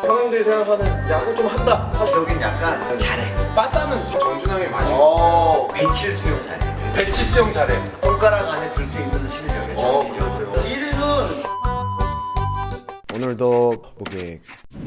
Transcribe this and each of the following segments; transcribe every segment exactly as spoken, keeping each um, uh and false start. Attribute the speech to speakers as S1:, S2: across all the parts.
S1: 형님들이 생각하는 야구 좀 한다.
S2: 사실 여긴 약간 잘해.
S3: 빠따는 정준영이 많이
S1: 어.
S2: 배칠 수용 잘해.
S3: 배치 수영 잘해.
S2: 손가락 안에 들 수 있는 실력이
S1: 어,
S2: 정신이었어요. 일 위는
S1: 오늘도 무게.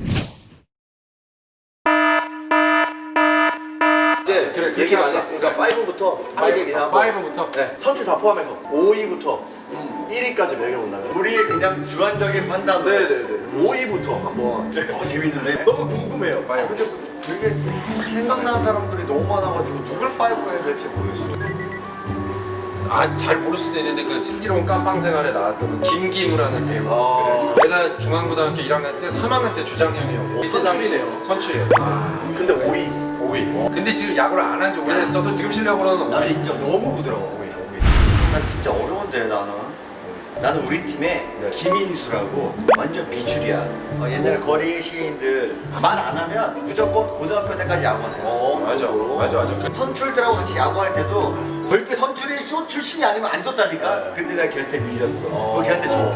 S1: 이제
S3: 그래, 그렇게
S1: 얘기 많이
S3: 하자.
S1: 했으니까 오부터 할 얘기나 하고.
S3: 파이브부터.
S1: 네, 선출 다 포함해서 오 위부터 일 위까지 매겨본다면.
S2: 우리의 그냥 주관적인 판단으로.
S1: 네네네. 오 위부터 한번.
S2: 어 재밌는데?
S1: 너무 궁금해요.
S2: 아 근데 되게 생각나는 사람들이 너무 많아가지고 누굴 파이브로 해야 될지 모르겠어.
S3: 아 잘 모를 수도 있는데 그 슬기로운 깜빵 생활에 나왔던 그 김기무라는 배우.
S1: 아.
S3: 내가 중앙고등학교 일 학년 때 삼 학년 때 주장형이었고
S1: 오, 선출이네요.
S3: 선출이에요.
S1: 근데 오 위.
S3: 오 위. 근데 지금 야구를 안 한 지 오래됐어도 지금 실력으로는
S2: 나는
S3: 오 위.
S2: 인정 너무 부드러워. 난 진짜 어려운데 나는. 나는 우리 팀에
S1: 네.
S2: 김인수라고 완전 비출이야. 어, 옛날에 거리 시인들 말 안 하면 무조건 고등학교 때까지 야구하네.
S1: 어,
S3: 맞아, 맞아, 맞아. 그
S2: 선출들하고 같이 야구할 때도 절대 선출이 쇼 출신이 아니면 안 줬다니까.
S1: 네.
S2: 근데 내가 걔한테 밀렸어.
S1: 어.
S2: 너 걔한테 줘.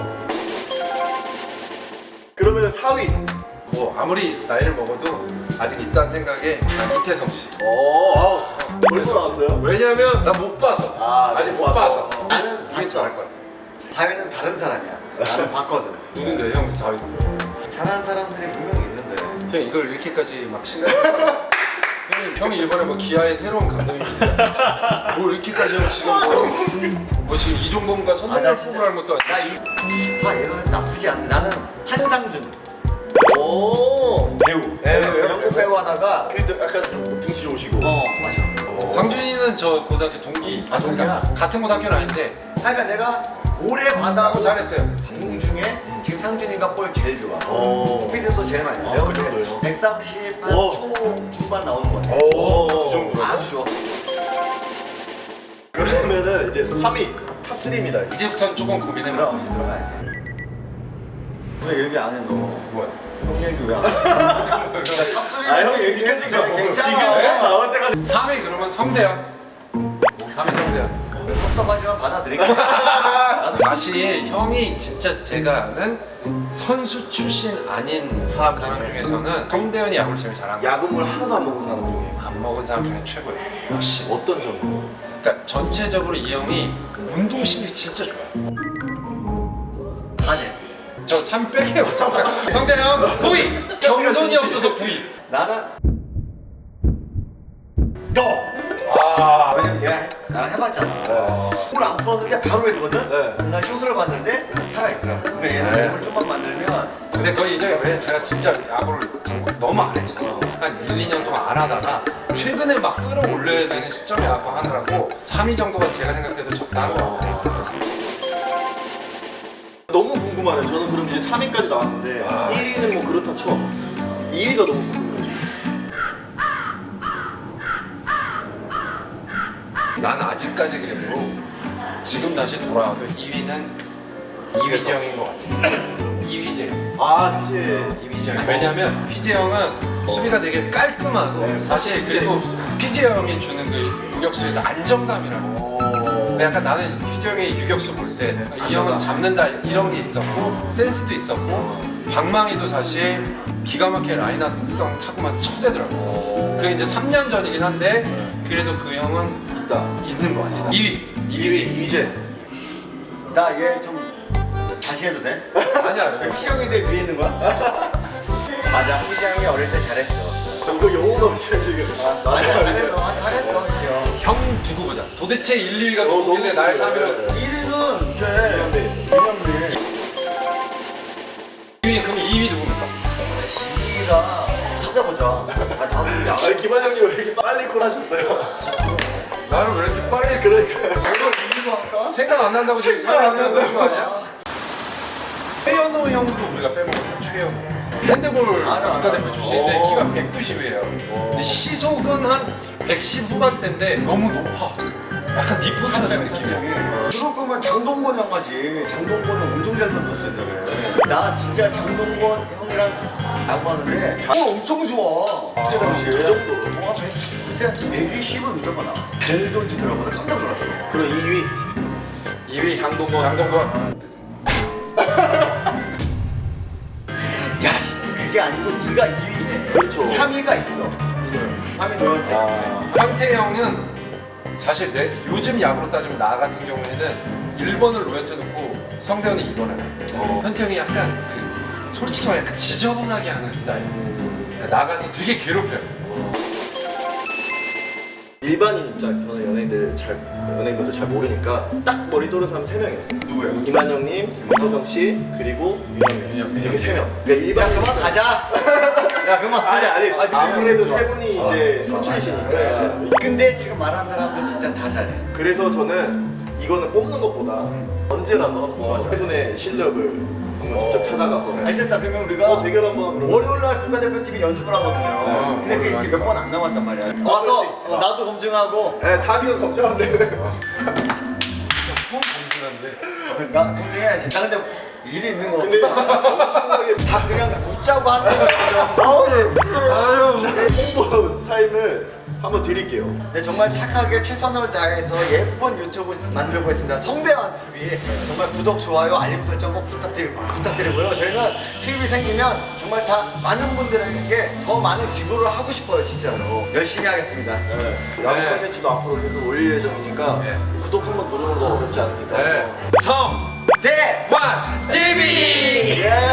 S1: 그러면 사 위.
S3: 뭐 아무리 나이를 먹어도 아직 있다는 생각에 난 이태성 씨.
S1: 어, 아, 벌써 나왔어요?
S3: 왜냐면 나 못 봐서.
S1: 아,
S3: 아직 못
S1: 못
S3: 봐서.
S1: 봐서.
S2: 나는
S3: 이게
S2: 봤어.
S3: 잘할 거야.
S2: 다혜는 다른 사람이야. 나는 봤거든.
S3: 누군데 형 사위.
S2: 잘하는 사람들이 분명히 있는데.
S3: 형 이걸 이렇게까지 막 신나게. 형이 형이 이번에 뭐 기아의 새로운 감독님이세요. 뭐 이렇게까지 형 지금 뭐, 뭐 지금 이종범과
S2: 아,
S3: 선동열
S2: 나 진짜-
S3: 뽑으라는 것도
S2: 나
S3: 아니고.
S2: 이, 아 얘가 나쁘지 않네. 나는 한상준
S1: 오.
S2: 배우.
S1: 네,
S2: 배우,
S1: 배우,
S2: 영국
S1: 배우.
S2: 배우 하다가
S1: 그 약간 좀 등치 좋으시고.
S2: 어 맞아.
S1: 어.
S3: 상준이는 저 고등학교 동기.
S2: 아, 동기야?
S3: 같은 고등학교는 아닌데
S2: 그러니까 내가 올해 받아고
S3: 야구 잘했어요.
S2: 공 중에 지금 상준이가 볼 제일 좋아.
S1: 어.
S2: 스피드도 제일 많이 나.
S1: 어, 그 정도예요?
S2: 백삼십 한
S1: 오.
S2: 초 중반 나오는 거 같아.
S1: 오.
S3: 그 정도로.
S2: 아주 좋아.
S1: 그러면은 이제 삼 위 탑 삼입니다.
S3: 이제부터는 조금 고민해봐.
S2: 들어가야지 들어가야지. 왜 얘기 안 해 너?
S3: 뭐야?
S2: 형 얘기 왜 안 해?
S1: 아, 형 얘기까지 가.
S2: 괜찮아.
S1: 지금 나올 때가.
S3: 삼 위 그러면 성대현. 삼 위 성대현.
S2: 섭섭하지만 받아들일게. 나도
S3: 사실 형이 진짜 제가 아는 선수 출신 아닌 사람, 사람 중에서는 성대현이 야구를 제일 잘하는 거야.
S1: 야구물 하나도 안 먹은 사람 중에
S3: 안 먹은 사람 중에 최고예요. 역시.
S1: 어떤 점으로?
S3: 그러니까 전체적으로 이 형이 운동신경이 진짜 좋아요.
S2: 아니
S3: 저 삼 위 빼게요. 잠깐. 성대현 구 위. 경선이 없어서 구 위.
S2: 나는 너.
S3: 아.
S2: 왜냐면 걔가 해- 나랑 해봤잖아. 손을 안 풀었는데 바로 했거든?
S1: 네.
S2: 나 슛을 봤는데 살아있더라. 그러니까 얘는
S3: 네.
S2: 몸을 좀만 만들면
S3: 근데 그거 이제 왜 제가 진짜 야구를 너무 안 했었어. 한 일, 이 년 동안 안 하다가 최근에 막 끌어올려야 되는 시점에 야구 하느라고 삼 위 정도가 제가 생각해도 적당한 것 같아요.
S1: 너무 궁금하네요. 저는 그럼 이제 삼 위까지 나왔는데
S3: 아.
S1: 일 위는 뭐 그렇다 쳐. 이 위가 너무 궁금해요.
S3: 난 아직까지 그래도 지금 다시 돌아와도 이 위는 이휘재형인 것 같아. 이휘재.
S1: 아, 이제
S3: 이휘재형. 왜냐면 휘재형은 수비가 되게 깔끔하고
S1: 네,
S3: 사실
S1: 진짜.
S3: 그리고 휘재형이 주는 그 유격수에서 안정감이라고.
S1: 어.
S3: 근데 약간 나는 휘재형의 유격수 볼 때 이 형은 잡는다 이런 게 있었고 센스도 있었고 방망이도 사실 기가 막히게 라인업성 타고만 쳐대더라고. 그게 이제 삼 년 전이긴 한데 그래도 그 형은
S1: 있다.
S3: 있는 것 같아. 이 위.
S1: 이 위 이제.
S2: 나 얘 좀 다시 해도 돼?
S3: 아니야.
S2: 희영이 내 위에 있는 거야? 맞아 희영이 어릴 때 잘했어.
S1: 이거 영혼 없이 지금.
S2: 맞아 잘했어 잘했어 희영.
S3: 형 두고 보자. 도대체 일, 이 위가
S1: 어,
S3: 누구길래
S1: 너무
S3: 날
S1: 궁금해.
S3: 삼 위로.
S2: 일 위는 이제 김현민.
S3: 이 위 그럼 이 위 누굽니까?
S2: 이 위가 찾아보자. 아 다음 야.
S1: 아니 김한영님 왜 이렇게 빨리 콜하셨어요?
S3: 나는 왜 이렇게 빨리
S1: 그러니까.
S2: 이걸 이 위로 할까?
S3: 생각 안 난다고 지금
S1: 생각 안
S3: 삼 위 하는 거
S1: 난다고.
S3: 아니야? 최현호 형도 우리가 빼먹었다. 최현호. 핸드볼
S2: 알아, 알아.
S3: 국가대표 출신인데
S1: 어.
S3: 키가 백구십이에요. 근데 시속은 한 백십 후반대인데 너무 높아. 약간 니포트 같은 느낌이야.
S2: 그럴 거면 장동건 형 하지. 장동건 형 엄청 잘 던졌어 옛날에. 나 진짜 장동건 형이랑 야구하는데 어, 엄청 좋아. 그때 당시에.
S1: 그 정도로?
S2: 뭐 백- 그때 백이십은 무조건 나와. 잘 던지더라고. 나 깜짝 놀랐어.
S1: 그럼 이 위.
S3: 이 위 장동건. 장동건.
S2: 야, 씨, 그 그게 아니고 네가 이 위 해.
S1: 그렇죠.
S2: 삼 위가 있어. 삼 위 너한테.
S1: 아,
S3: 황태 형은 사실 내 요즘 야구로 따지면 나 같은 경우에는 일 번을 로현태 놓고 성대현이 이 번을 해.
S1: 어.
S3: 현태 형이 약간 그 솔직히 말해 약간 지저분하게 하는 스타일. 나가서 되게 괴롭혀요.
S1: 일반인 입장에서는 연예인들 잘 연예인분들 잘 모르니까 딱 머리 떠오르는 사람 세 명이었어요.
S2: 누구예요?
S1: 김한영님, 김서정 씨, 그리고 윤영민.
S3: 윤영민.
S1: 이렇게 세 명. 그러니까 일반인
S2: 그만 가자. 야 그만.
S1: 아니 아니.
S2: 아,
S1: 아무래도
S3: 좋아.
S1: 세 분이 이제 선출이시니까.
S2: 근데 지금 말하는 사람들 진짜 다 잘해.
S1: 그래서 저는 이거는 뽑는 것보다 언제라도 한번 세 분의 실력을 한번 직접 찾아가서
S2: 알겠다. 그러면 우리가
S1: 어, 대결 한번 그러면.
S2: 월요일 날 국가대표팀이 연습을 하거든요.
S3: 어,
S2: 근데 그게 이제 몇 번 안 남았단 말이야. 와서 어, 나도 검증하고
S1: 네, 다비가 검증하면 돼.
S3: 처음 검증한데.
S2: 나 검증해야지. 나 근데 일이 있는 거.
S1: 근데 엄청나게
S2: 다 그냥 웃자고 하는 거죠.
S1: 아유 홍보 타임을 한번 드릴게요.
S2: 네, 정말 착하게 최선을 다해서 예쁜 유튜브 만들고 있습니다. 성대환 티비 정말 구독, 좋아요, 알림 설정 꼭 부탁드리, 부탁드리고요. 저희는 수입이 생기면 정말 다 많은 분들에게 더 많은 기부를 하고 싶어요. 진짜로 열심히 하겠습니다.
S1: 네. 야구
S3: 네.
S1: 컨텐츠도 앞으로 계속 올릴 예정이니까
S3: 네.
S1: 구독 한번 누르는 거 어렵지 않으니까.
S3: 네. 성
S2: 대
S3: 완 티비.
S1: 예.